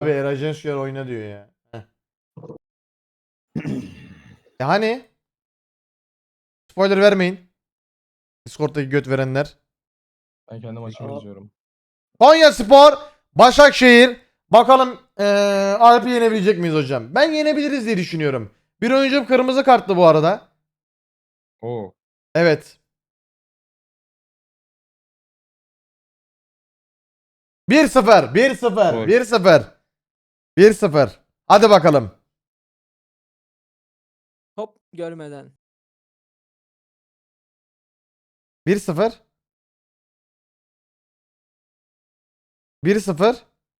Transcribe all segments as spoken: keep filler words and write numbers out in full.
Abi Erajenskiyar oyna diyor ya. Heh. E hani? Spoiler vermeyin. Discord'daki göt verenler. Ben kendi maçımı izliyorum. Konyaspor, Başakşehir. Bakalım eee Alp'i yenebilecek miyiz hocam? Ben yenebiliriz diye düşünüyorum. Bir oyuncum kırmızı kartlı bu arada. Oo. Evet. bir sıfır, bir sıfır, Gol. bir sıfır. bir sıfır. Hadi bakalım. Hop görmeden. bir sıfır. bir sıfır.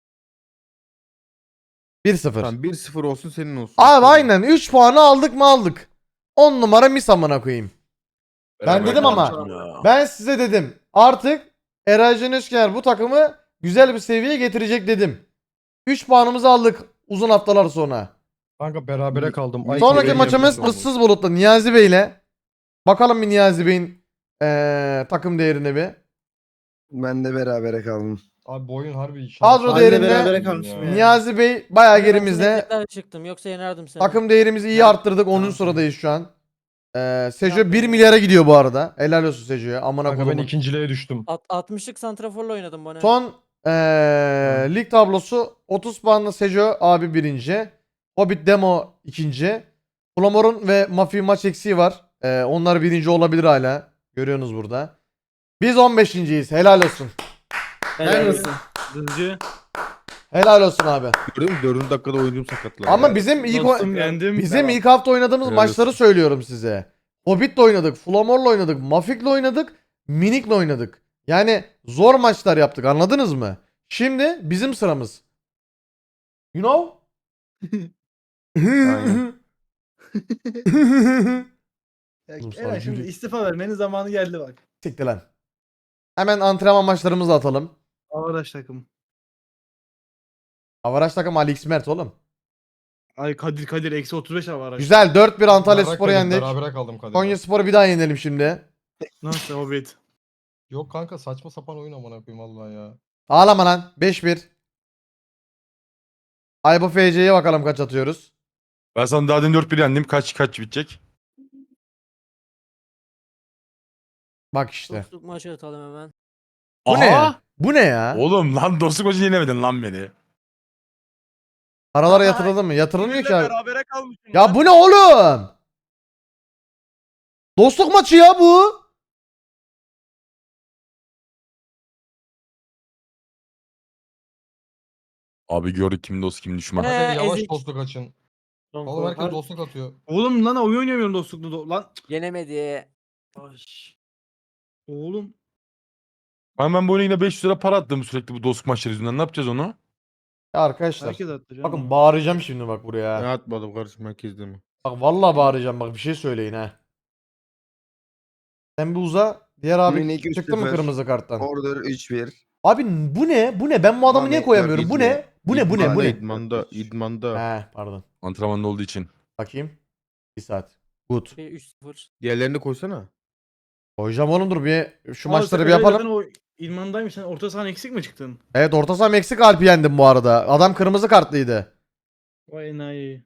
bir sıfır. Tamam bir sıfır olsun senin olsun. Abi aynen üç puanı aldık mı aldık. on numara mis amına koyayım. Ben dedim ama ben size dedim artık Erajen Özker bu takımı güzel bir seviyeye getirecek dedim. üç puanımızı aldık uzun haftalar sonra. Kanka berabere kaldım. Ay, Sonraki benim maçımız yerim ıssız bulutla Niyazi Bey'le. Bakalım bir Niyazi Bey'in eee, takım değerine bir. Ben de berabere kaldım. Abi bu oyun harbi şans. Kadro Anne değerinde berabere kalmışım ya. Niyazi Bey bayağı Ben gerimizde. sineklerle çıktım yoksa yenerdim seni. Takım değerimizi iyi Ben- arttırdık. onuncu Tamam. sıradayız şu an. Eee Sejo bir milyara gidiyor bu arada. Helal olsun Sejo'ya. Amına Kanka ben koyayım. ikinciliğe düştüm. At altmışlık santraforla oynadım bana. Son eee, lig tablosu otuz puanla Sejo abi birinci. Hobbit Demo ikinci. Flamor'un ve Mafi maç eksiği var. Eee, onlar birinci olabilir hala. Görüyorsunuz burada. Biz on beşinciyiz. Helal olsun. Helal olsun. Hızcı. Helal olsun abi. Gördün mü? Dördüncü dakikada oyuncum sakatlandı. Ama bizim ilk o- Dostum yendim. bizim ilk hafta oynadığımız Helal maçları olsun. söylüyorum size. Hobbit'le oynadık, Flamor'la oynadık, Mafik'le oynadık, Minik'le oynadık. Yani zor maçlar yaptık, anladınız mı? Şimdi bizim sıramız. You know? Aynen. Oğlum sana Eren şimdi gülü- istifa vermenin zamanı geldi bak. Siktir lan. Hemen antrenman maçlarımızı atalım. Avaraş takım. Avaraş takım Ali X Mert oğlum. Ay Kadir Kadir eksi otuz beş avaraş. Güzel dört bir Antalya Berabere Spor'u kaldım, yendik. Berabere kaldım Kadir'le. Konya Spor'u bir daha yenelim şimdi. Nasıl Hobbit? Yok kanka saçma sapan oyun amına koyayım vallahi ya. Ağlama lan. beş bir. Aybo F C'ye bakalım kaç atıyoruz. Ben sana daha demin dört bir yendim. Kaç kaç bitecek? Bak işte. Dostluk maçı atalım hemen. Bu ne ya? Bu ne ya? Oğlum lan dostluk maçı yenemedin lan beni. Paralara yatırıldı mı? Yatırılmıyor ki abi. berabere kalmışım. Ya bu ne oğlum? Dostluk maçı ya bu. Abi gördük kim dost kim düşman. Ee, Hadi yavaş ezik. dostluk açın. Oğlum herkes Har- dostluk atıyor. Oğlum lan oyun oynayamıyorum dostluklu do- lan. Yenemedi. Ay. Oğlum. Ben, ben bu oyuna yine beş yüz lira para attım sürekli bu dostluk maçları yüzünden. Ne yapacağız onu? Ya arkadaşlar. Herkes attı canım. Bakın bağıracağım şimdi bak buraya. Ne atmadım kardeşim herkes mi? Bak vallahi bağıracağım bak bir şey söyleyin ha. Sen bir uza. Diğer abi Minik üç çıktı mı sıfır. kırmızı karttan? Order üç bir. Abi bu ne? Bu ne? Ben bu adamı niye Ahmetler koyamıyorum? Bu ne? İdman. Bu ne? Bu ne? Bu ne? İdmanda, idmanda. He pardon. Antrenmanda olduğu için. Bakayım. Bir saat. Good. Şey, üç sıfır. Diğerlerini koysana. Koyacağım oğlum dur bir şu Aa, maçları sen bir Eren yapalım. zaten o İlman'daymış. Sen orta sahan eksik mi çıktın? Evet orta saha Meksika Alp'i yendim bu arada. Adam kırmızı kartlıydı. Vay enayi.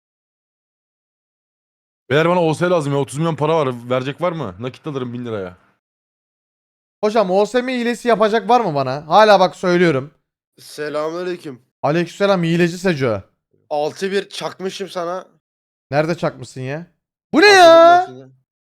Beyler bana O S lazım ya. otuz milyon para var. Verecek var mı? Nakit alırım bin liraya. Hocam O S M hilesi yapacak var mı bana? Hala bak söylüyorum. Selamünaleyküm. Aleykümselam hileci Seco. altı bir çakmışım sana. Nerede çakmışsın ya? Bu ne Hazırlık ya? maçında.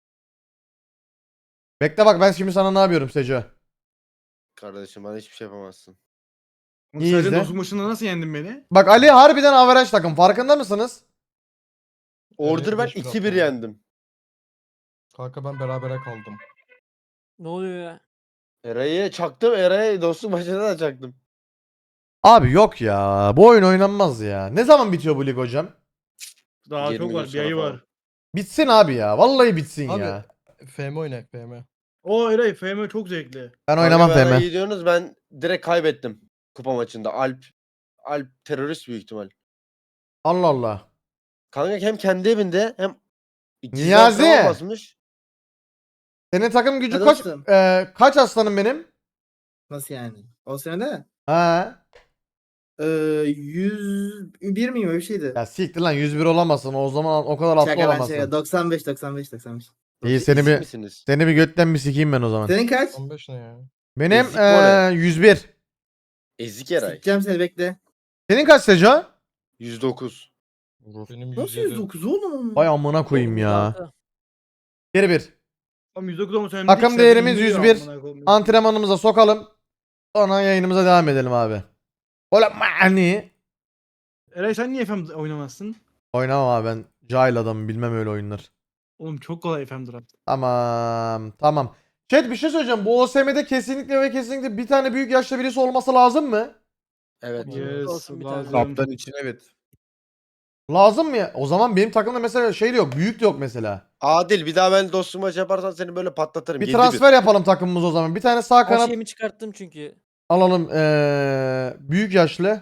Bekle bak ben şimdi sana ne yapıyorum Seco. Kardeşim bana hiçbir şey yapamazsın. İyi Sen izle. dostluk maçında nasıl yendin beni? Bak Ali harbiden averaj takım farkında mısınız? Order ben beş bir iki bir attım. yendim. Kanka ben berabere kaldım. Ne oluyor ya? Eray'ı çaktım. Eray'ı dostluk maçında da çaktım. Abi yok ya bu oyun oynanmaz ya. Ne zaman bitiyor bu lig hocam? Daha yirmi çok gün var. Bir sonra ayı falan. var. Bitsin abi ya. Vallahi bitsin Abi, ya. F M oyna F M. O Eray F M çok zevkli. Ben oynamam Kanka, bana F M. iyi diyorsunuz, ben direkt kaybettim kupa maçında. Alp Alp terörist büyük ihtimal. Allah Allah. Kanka hem kendi evinde hem gizli Niyazi! antrenman basmış. Senin takım gücü Hadi kaç dostum. e, kaç aslanım benim? Nasıl yani? O sene Ha. Ee, yüz bir miyim öyle bir şeydi. Ya siktir lan yüz bir olamazsın. O zaman o kadar atlı Şaka ben olamazsın. şaka. doksan beş doksan beş doksan beş. İyi Siz seni ezik bir misiniz? seni bir götten bir sikeyim ben o zaman. Senin kaç? on beş ne ya? Benim Ezik var eee yüz bir. Ezik Eray. Sikeceğim seni bekle. Senin kaç Seco? yüz dokuz. Benim Nasıl yüz yedi. yüz dokuz oğlum? Vay amına koyayım ya. Altı. Geri bir. Tam yüz dokuz olması önemli Takım değil ki, değerimiz zaten yüz iniyor bir. amına koyayım. Antrenmanımıza sokalım. Sonra yayınımıza devam edelim abi. Ola mani. Eray sen niye F M oynamazsın? Oynamam abi ben cahil adamım bilmem öyle oyunlar. Oğlum çok kolay F M draft. Tamam tamam. Chat bir şey söyleyeceğim. Bu O S M'de kesinlikle ve kesinlikle bir tane büyük yaşta birisi olması lazım mı? Evet. Yes, Olsun bir tane. lazım. Kaptan için evet. Lazım mı ya? O zaman benim takımda mesela şey de yok. Büyük de yok mesela. Adil bir daha ben dostum maç yaparsan seni böyle patlatırım. Bir Yedi transfer yapalım takımımız o zaman. Bir tane sağ Her kanat şeyimi çıkarttım çünkü. alalım. Ee, büyük yaşlı.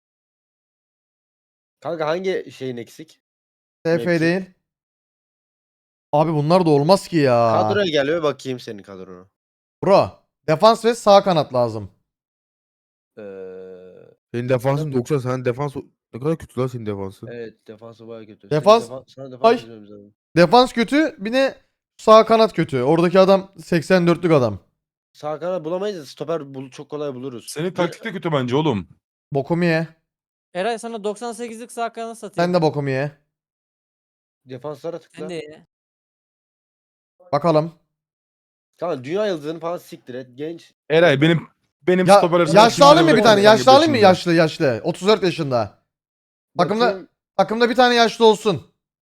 Kanka hangi şeyin eksik? T F Mevki. değil. Abi bunlar da olmaz ki ya. Kadroya gel ve bakayım senin kadrona. Bro. Defans ve sağ kanat lazım. Ee, Senin defansın doksan. Senin defans ne kadar kötü lan senin defansın. evet defansı baya kötü. Defans- Senin defa- sana defans Ay. çizmemiz lazım. Defans kötü. Bir de sağ kanat kötü. Oradaki adam seksen dörtlük adam. Sağ kanat bulamayız da stoper bul çok kolay buluruz. Senin taktik de kötü bence oğlum. Bokumu ye. Eray sana doksan sekizlik sağ kanat satayım. Sen de bokumu ye. Defanslara tıkla. Sen de ye. Bakalım. Kanka dünya yıldızını falan siktir et. Genç. Eray benim benim Ya, stoper arasında yaşlı kim alayım mı var bir tane? kanka Yaşlı alayım mı? başında? Yaşlı yaşlı. otuz dört yaşında. Takımda Bakayım, takımda bir tane yaşlı olsun.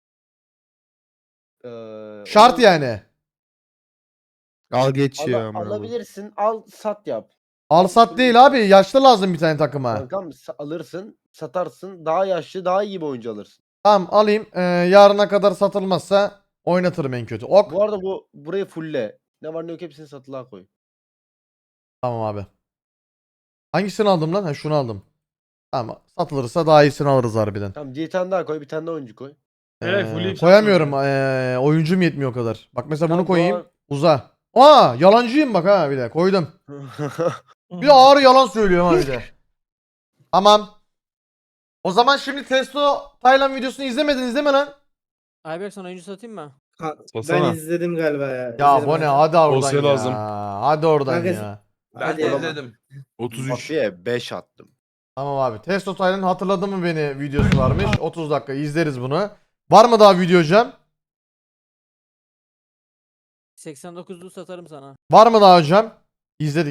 eee, Şart onu yani. Al geç ala- ya. amına koyayım. alabilirsin. Al sat yap. Al sat değil abi. Yaşlı lazım bir tane takıma. Kankam sa- alırsın. Satarsın. Daha yaşlı daha iyi bir oyuncu alırsın. Tamam alayım. Ee, yarına kadar satılmazsa oynatırım en kötü. Ok. Bu arada bu burayı fulle. Ne var ne yok hepsini satılığa koy. Tamam abi. Hangisini aldım lan? Ha şunu aldım. Tamam. Satılırsa daha iyisini alırız harbiden. Tamam bir tane daha koy. Bir tane daha oyuncu koy. Evet, Ee, full ip koyamıyorum. satma Ee, oyuncum yetmiyor o kadar. Bak mesela bunu Tamam, koyayım. doğru. Uza. Aa yalancıyım bak ha bir de. Koydum. Bir de ağır yalan söylüyorum ha bir de. Tamam. O zaman şimdi Testo Taylan videosunu izlemedin izleme lan. Ayberk sana oyuncu satayım mı? Ha, Satsana. ben izledim galiba ya. Ya İzledim bu ben. ne hadi oradan Olsa ya. lazım. Hadi oradan Kanka- ya. Hadi ya. otuz üç. Batı'ya beş attım. Tamam abi. Testo Taylan hatırladı mı beni videosu varmış. otuz dakika izleriz bunu. Var mı daha video hocam? seksen dokuzlu satarım sana. Var mı daha hocam? İzledik.